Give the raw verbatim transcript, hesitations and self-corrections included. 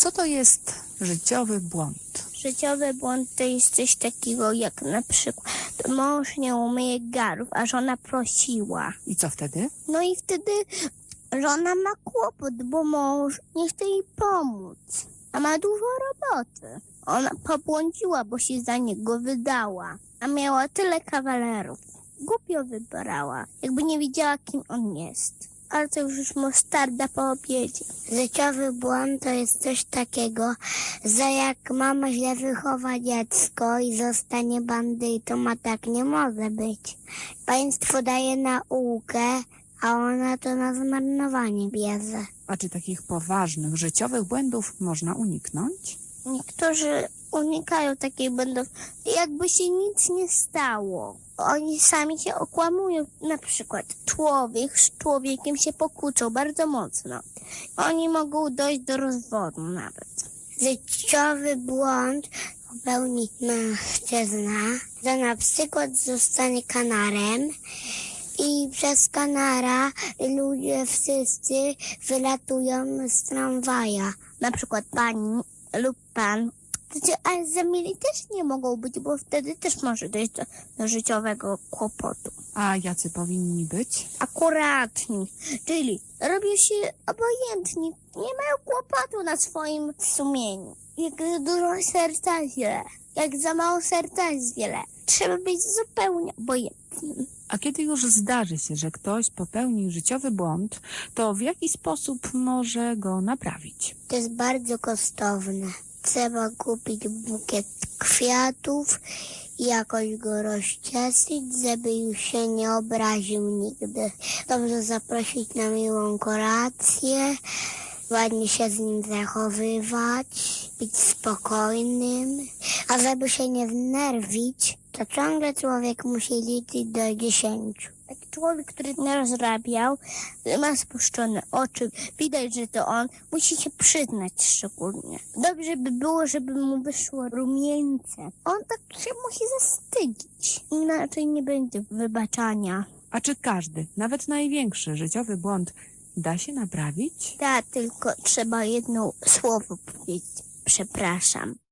Co to jest życiowy błąd? Życiowy błąd to jest coś takiego jak na przykład mąż nie umyje garów, a żona prosiła. I co wtedy? No i wtedy żona ma kłopot, bo mąż nie chce jej pomóc, a ma dużo roboty. Ona pobłądziła, bo się za niego wydała, a miała tyle kawalerów. Głupio wybrała, jakby nie wiedziała, kim on jest. Ale to już mostarda po obiedzie. Życiowy błąd to jest coś takiego, że jak mama źle wychowa dziecko i zostanie bandytą, a tak nie może być. Państwo daje naukę, a ona to na zmarnowanie bierze. A czy takich poważnych życiowych błędów można uniknąć? Niektórzy unikają takich błędów, jakby się nic nie stało. Oni sami się okłamują. Na przykład człowiek z człowiekiem się pokłócą bardzo mocno. Oni mogą dojść do rozwodu nawet. Życiowy błąd popełni mężczyzna, że na przykład zostanie kanarem i przez kanara ludzie wszyscy wylatują z tramwaja. Na przykład pani lub pan. Ale zamili też nie mogą być, bo wtedy też może dojść do, do życiowego kłopotu. A jacy powinni być? Akuratni, czyli robią się obojętni, nie mają kłopotu na swoim sumieniu. Jak za dużo serca źle, jak za mało serca jest wiele. Trzeba być zupełnie obojętnym. A kiedy już zdarzy się, że ktoś popełni życiowy błąd, to w jaki sposób może go naprawić? To jest bardzo kosztowne. Trzeba kupić bukiet kwiatów i jakoś go rozcieszyć, żeby już się nie obraził nigdy. Dobrze zaprosić na miłą kolację, ładnie się z nim zachowywać, być spokojnym. A żeby się nie znerwić, to ciągle człowiek musi liczyć do dziesięciu. Taki człowiek, który nie rozrabiał, ma spuszczone oczy, widać, że to on, musi się przyznać szczególnie. Dobrze by było, żeby mu wyszło rumieńce. On tak się musi zastydzić, inaczej nie będzie wybaczania. A czy każdy, nawet największy życiowy błąd da się naprawić? Tak, tylko trzeba jedno słowo powiedzieć. Przepraszam.